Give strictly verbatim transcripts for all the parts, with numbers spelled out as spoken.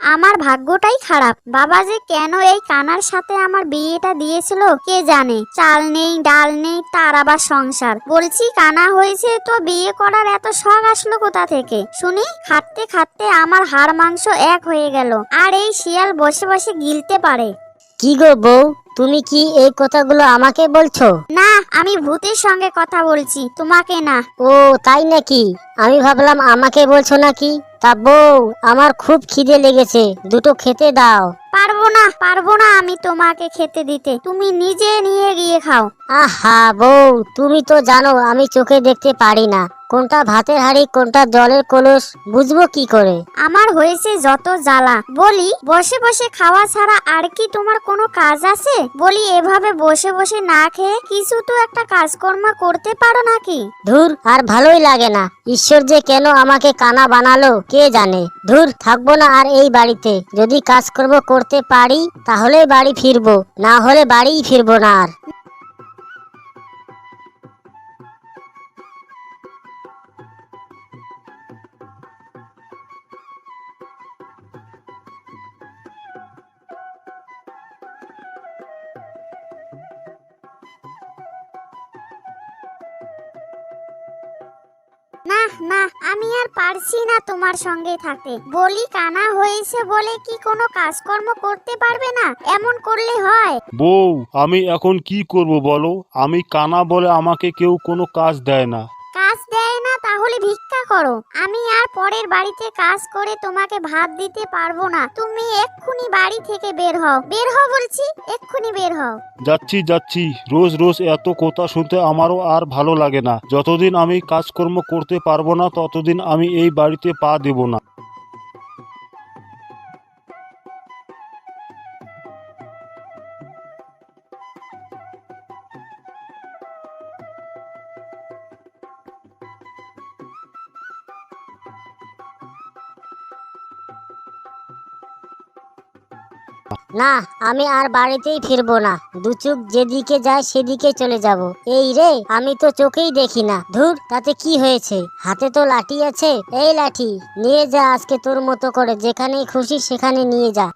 আমার ভাগ্যটাই খারাপ। বাবা যে কেন এই কানার সাথে আমার বিয়েটা দিয়েছিল কে জানে। চাল নেই ডাল নেই, তার আবার সংসার। বলছি কানা হয়েছে তো বিয়ে করার এত শখ আসলো কোথা থেকে শুনি? খাটতে খাটতে আমার হাড় মাংস এক হয়ে গেল, আর এই শিয়াল বসে বসে গিলতে পারে। কি গো বউ, তুমি কি এই কথাগুলো আমাকে বলছো? না, আমি ভূতের সঙ্গে কথা বলছি, তোমাকে না। ও তাই নাকি? আমি ভাবলাম আমাকে বলছো নাকি। তা বউ, আমার খুব খিদে লেগেছে, দুটো খেতে দাও। পারবো না পারবো না আমি তোমাকে খেতে দিতে, তুমি নিজে নিয়ে গিয়ে খাও। আহা বউ, তুমি তো জানো আমি চোখে দেখতে পারি না, কোনটা ভাতের হাঁড়ি কোনটা জলের কলস বুঝবো কি করে? আমার হয়েছে যত জ্বালা। বলি বসে বসে খাওয়া ছাড়া আর কি তোমার কোনো কাজ আছে? বলি এভাবে বসে বসে না খেয়ে কিছু তো একটা কাজকর্ম করতে পারো নাকি? ধুর, আর ভালোই লাগে না। ঈশ্বর যে কেন আমাকে কানা বানালো কে জানে। ধুর, থাকবো না আর এই বাড়িতে। যদি কাজকর্ম করতে পারি তাহলে বাড়ি ফিরবো, না হলে বাড়িই ফিরবো না আর। না না, আমি আর পারছি না তোমার সঙ্গে থাকতে। বলি কানা হয়েছে বলে কি কোনো কাজকর্ম করতে পারবে না? এমন করলে হয়? বউ, আমি এখন কি করব বলো? আমি কানা বলে আমাকে কেউ কোনো কাজ দেয় না। কাজ দেয় না তাহলে ভিক্ষা করো। আমি আর পরের বাড়িতে কাজ করে তোমাকে ভাত দিতে পারবো না। তুমি এক্ষুনি বাড়ি থেকে বের হও, বের হও বলছি, এক্ষুনি বের হও। যাচ্ছি যাচ্ছি, রোজ রোজ এত কথা শুনতে আমারও আর ভালো লাগে না। যতদিন আমি কাজকর্ম করতে পারবো না ততদিন আমি এই বাড়িতে পা দেব না। না, আমি আর বাড়িতেই ফিরবো না। দু চোখ যেদিকে যায় সেদিকে চলে যাব। এই রে, আমি তো চোখেই দেখি না। ধুর, তাতে কি হয়েছে? হাতে তো লাঠি আছে। এই লাঠি নিয়ে যা, আজকে তোর মতো করে যেখানে খুশি সেখানে নিয়ে যা।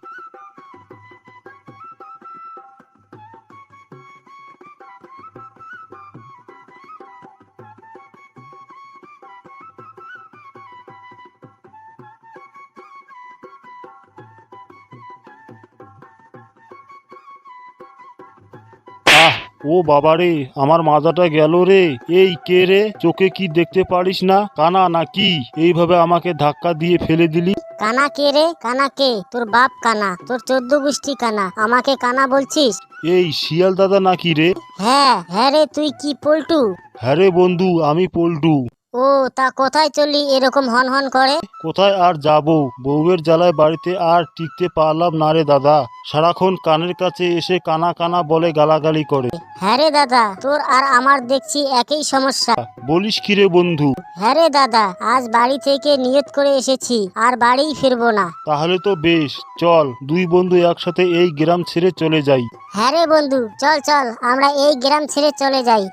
আহ, ও বাবা রে, আমার মাথাটা গেল রে। এই কে রে? চোখে কি দেখতে পারিস না? কানা নাকি? এইভাবে আমাকে ধাক্কা দিয়ে ফেলে দিলি। কানা কে রে? কানা কে? তোর বাপ কানা, তোর চোদ্দ গোষ্ঠী কানা, আমাকে কানা বলছিস? এই শিয়াল দাদা নাকি রে? হ্যাঁ হ্যাঁ রে, তুই কি পল্টু? হ্যাঁ রে বন্ধু, আমি পল্টু। ও, তা কোথায় চললি এরকম হন হন করে? কোথায় আর যাব, বউয়ের জ্বালায় বাড়িতে আর টিকতে পারলাম না রে দাদা। সারাক্ষণ কানের কাছে এসে কানা কানা বলে গালাগালি করে। হ্যাঁ রে দাদা, তোর আর আমার দেখছি একই সমস্যা। বলিস কি রে বন্ধু? হ্যাঁ রে দাদা, আজ বাড়ি থেকে নিয়ত করে এসেছি, আর বাড়িই ফিরবো না। তাহলে তো বেশ, চল দুই বন্ধু একসাথে এই গ্রাম ছেড়ে চলে যাই। হ্যাঁ রে বন্ধু, চল চল আমরা এই গ্রাম ছেড়ে চলে যাই।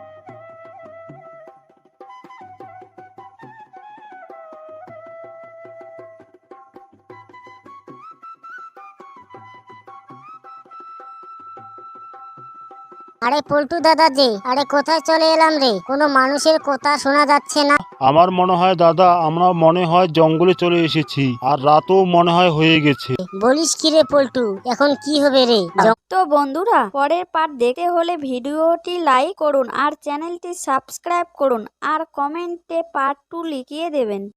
আরে পল্টু দাদা যে, আরে কোথায় চলে এলাম রে? কোনো মানুষের কথা শোনা যাচ্ছে না। আমার মনে হয় দাদা, আমরা মনে হয় জঙ্গলে চলে এসেছি, আর রাতও মনে হয় হয়ে গেছে। বলিস কি রে পল্টু, এখন কি হবে রে? তো বন্ধুরা, পরের পার্ট দেখতে হলে ভিডিওটি লাইক করুন আর চ্যানেলটি সাবস্ক্রাইব করুন আর কমেন্টে পার্ট টু লিখিয়ে দেবেন।